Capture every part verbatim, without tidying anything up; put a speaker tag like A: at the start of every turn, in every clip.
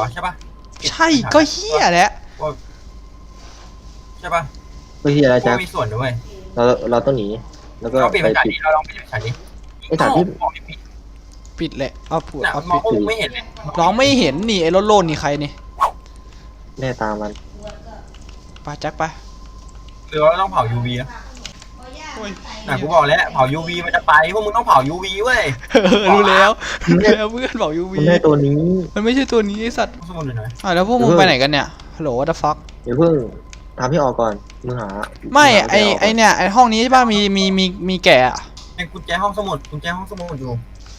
A: วะใช่ปะ
B: ใช่ก็เฮียแหละ
A: ใช่ปะ
C: ก็เฮียอะไรจ๊ะ
A: มีส่วนด้วย
C: เราเราต้องหนีแล้วก็
A: เราปิด
C: ไป
A: ภาษา
C: ปิด
A: นี้เราลองปิดภาษานี้
C: ไอ้สถานที่
B: ปิดแหละเอาผู
A: น่ะ
B: เอา
A: มอ
B: ปิ
A: ง
B: ด
A: ก็ไม่เห็นเลย
B: ร้องไม่เห็นนี่ไอ้โลโลนนี่ใครนี่
C: แน่ตามมัน
B: ไปแจ็คไป
A: หรือว่าต้องเผา ยู วี นะน่ะกูบอกแล้วเผา ยู วี มันจะไปพวกมึงต้องเผา ยู วี เว้ย
B: รู้แล้วรู้แล้วเพื่อนบอกยูวี
C: มันได้ตัวนี้
B: มันไม่ใช่ตัวนี้ไอ้สัตว์
A: สมุนอยู่ไหน
B: อ่ะแล้วพวกมึงไปไหนกันเนี่ยฮัลโหลวัตฟัก
C: เดี๋ยวเพิ่งทำให้ออกก่อนมึงหา
B: ไม่ไอไอเนี่ยไอห้องนี้ใช่ป่ะมีมีมีมีแกะอะ
A: ไอ้กุญแจห้องสมุดกุญแจห้องสมุดอยู่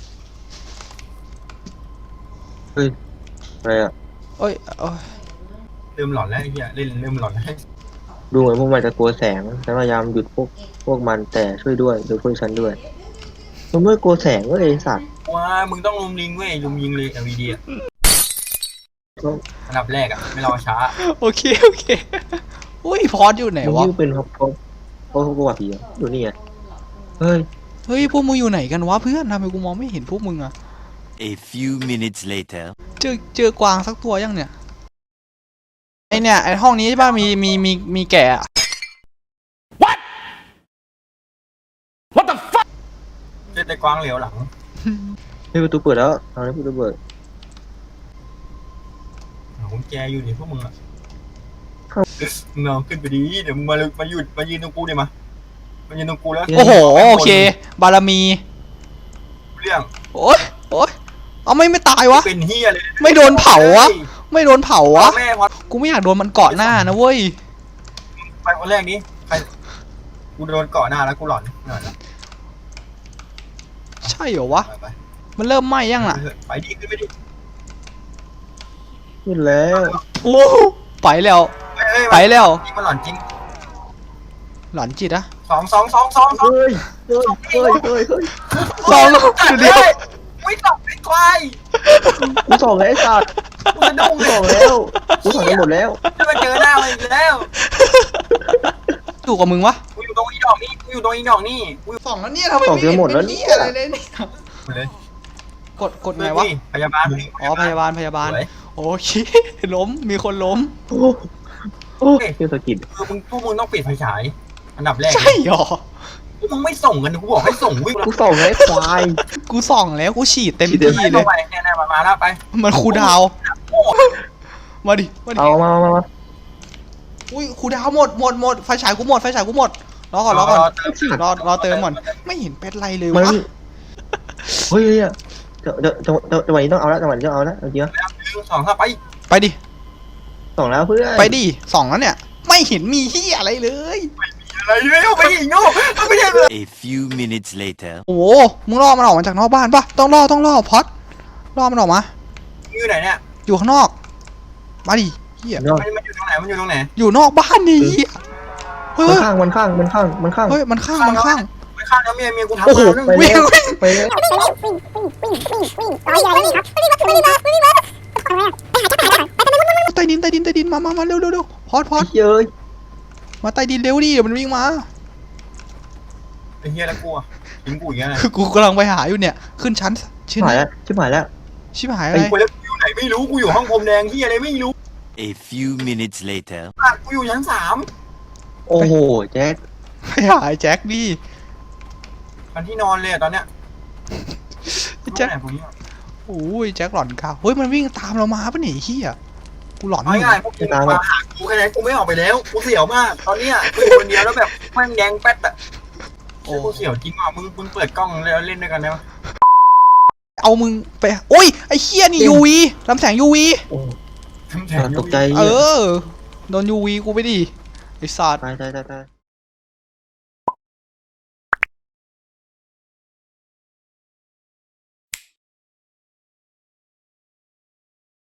C: เฮ้ยอะไรอ่ะ
B: เอ้ยเอ้ย
A: ลืมหลอนแล้วไอ้เหี้ยเล่นลืมหลอนแล้ว
C: ดูเหมือนพวกมันจะกลัวแสงฉันพยายามหยุดพวกพวกมันแต่ช่วยด้วยดูช่วยฉันด้วยมันไม่กลัวแสงเว้ยไอ้สัตว์
A: ว้ามึงต้องลุมลิงเว้ยลุมยิงเลย แอล อี ดี อ่ะอันดับแรกอ่ะไม่รอช้า
B: โอเคโอเคอุ้ยพอดอยู่ไหน
C: มัน
B: วะ
C: ยิ่งเป็นเพราะเพราะเพราะกลัวผีอ่ะดูนี่ไงเฮ้ย
B: เฮ้ยพวกมึงอยู่ไหนกันวะเพื่อนทำไมกูมองไม่เห็นพวกมึงอะ
D: A few minutes later
B: เจอเจอกวางสักตัวยังเนี่ยไอเนี่ยไอห้องนี้ใช่ป่ะมีมีมีมีแกะอะ
A: เจอแต่กวางเหลียวหลัง
C: เฮ้ยประตูเปิดแล้วเอาเลยประตูเปิด
A: หากุญแจอยู่นี่พวกมึงอ่ะมึงลองขึ้นไปดีเดี๋ยวมึงมามาหยุดมายืนตรงกูเดี๋ยวมามายืนตรงกูแล้ว
B: โอ้โหโอเค บารมี
A: เรื่อง
B: โอ้ยโอ้ยเอาไม่ไม่ตายวะ
A: เป็นเฮียเลย
B: ไม่โดนเผาวะไม่โดนเผาวะ
A: แม่พอ
B: กูไม่อยากโดนมันเกาะหน้านะเว้ย
A: ไปคนแรกนี้ใครกูโดนเกาะหน้าแล้วกูหลอนหน่อยละ
B: ใช่เหรอวะ
A: ไป
B: มันเริ่มไหม้ยังล่ะ
A: ไปดิขึ้นไปดิ
C: ขึ้นแล้ว
B: โอ้ไปแล้ว
A: เฮ้ย
B: ไปแล้ว
A: จริงมันหลอนจริง
B: หลอนจิตอะ
A: สองสองสองสองสอง
C: เฮ้ยเฮ้ยเฮ้ยเฮ้ยเฮ้ย
B: สองเดียว
A: ไม่ตอบไม่ควาย
C: กูส่องแล้วไอ้สัตว์
A: กูจะดุ้ง
C: กู
A: เล
C: ส่อง
A: ย
C: แล้วกูส่องไปหมดแล้ว
A: จะมาเจอหน้ามันอีกแล้ว
B: อยู่กับมึงวะ
A: กูอยู่ตรงอีดอกนี่กูอยู่ตรงอีดอกนี่กูอยู่
B: สองแล้วเนี่ยทำไมไม่เห็นเป็นนี่อะไรเลยเนี่ย
A: เลย
B: กดกดไงวะ
A: พยาบาล
B: อ๋อพยาบาลพยาบาล
A: สวย
B: โอเคล้มมีคนล้ม
C: โอ้โอ้เที่ยวสะกิด
A: คือมึงพวกมึงต้องปิดไฟฉายอันดับแรก
B: ใช่หรอ
A: พวกมึงไม่ส่งกันกูบอกให้ส่งวิ่ง
C: กูส่องแล้วไอ้ควาย
B: กูส่องแล้วกูฉีดเต็ม
C: ฉีดเต็
B: ที่
C: ม
B: เลย
A: ไปเนี่ยๆมามาแล้วไป
B: มันคูลดาวน์มาดิมาดิ
C: เอามามามา
B: อุ้ยคูลดาวน์หมดหมดหมดไฟฉายกูหมดไฟฉายกูหมดรอก่อนรอก่อนรอรอเติมก่อนไม่เห็นเป็นไรเลย
C: มัน
B: วะ
C: เฮ้ยเฮ้ยจังจังจังจังจังหวะนี้ต้องเอาละจังหวะนี้ต้องเอาละเอาจริง
A: สองถ้าไป
B: ไปดิ
C: ส่องแล้วเพื่อน
B: ไปดิสองแล้วเนี่ยไม่เห็นมีที่อะไรเลย
A: อะไรเนี่ยไปอีกโง่ไม่ใช่เลย
D: A few minutes later
B: โอ้โหมึงล่อมันออกมาจากนอกบ้านปะต้องล่อต้องล่อพอดล่อมันออกมา
A: อยู่ไหนเนี่ย
B: อยู่ข้างนอกมาดิเฮีย
C: นอก
A: มันอยู่ตรงไหนมันอยู่ตรงไหน
B: อยู่นอกบ้านนี่เฮียเฮ้
C: มัน
B: ย
C: ข้างมันข้างมันข้างมันข้าง
B: เฮ้ยมันข้างมันข้าง
A: ไปฆ่าแล้วเมียเมียกูทำ
B: โอ้โห
A: มา
C: ไป
B: วิ่ง
C: แล้ว
B: วิ่ง
C: ไปแล้ว
B: ใต้ดินใต้ดินใต้ดินมามามาเร็วเร็วเร็วพอดพอด
C: เย้ย
B: มาใต้ดินเร็วดิเดี๋ยวมันวิ่งมา
A: ไอ้เฮียแล้วกูทิ้งกูอย่างเงี้ย
B: คือกูกำลังไปหาอยู่เนี่ยขึ้นชั้น
C: ชิ
B: ชั้
C: บ
B: น
C: หายแล้วชิบหายแล้ว
B: ชิบหายอะไร
A: กูแล้วกูอยู่ไหนไม่รู้กูอยู่ห้องพรมแดงเฮียอะไรไม่รู้
D: A few minutes later
A: กูอยู่ชั้นสาม
C: โอ้โหแจ็ค
B: ไปหาไอ้แจ็คดิ
A: มันที่นอนเลยตอนเนี้ย
B: ไอ้แจ็คโอ้ยแจ็คหลอนกาวเฮ้ยมันวิ่งตามเรามาปะเนี่ยไอ้เฮียกูหลอน
A: ง่ายๆพวกกูมาหากูแค่ไหนกูไม่ออกไปแล้วกูเสียวมากตอนเนี้ยกูอยู่คนเดียวแล้วแบบแม่งแดงแป๊ดอะโอ้กูเสียวจริงอ่ะมึงมึงเปิดกล้องแล้วเล่นด้วยกันได้ไหม
B: เอามึงไปโอ้ยไอ้เฮียนี่ยูวีลำแสงยูวี
C: โอ้
A: ทำแทน
C: ตกใจ
B: เออโดนยูวีกูไปดิไอ้สัตว์
C: ตายตายตายตาย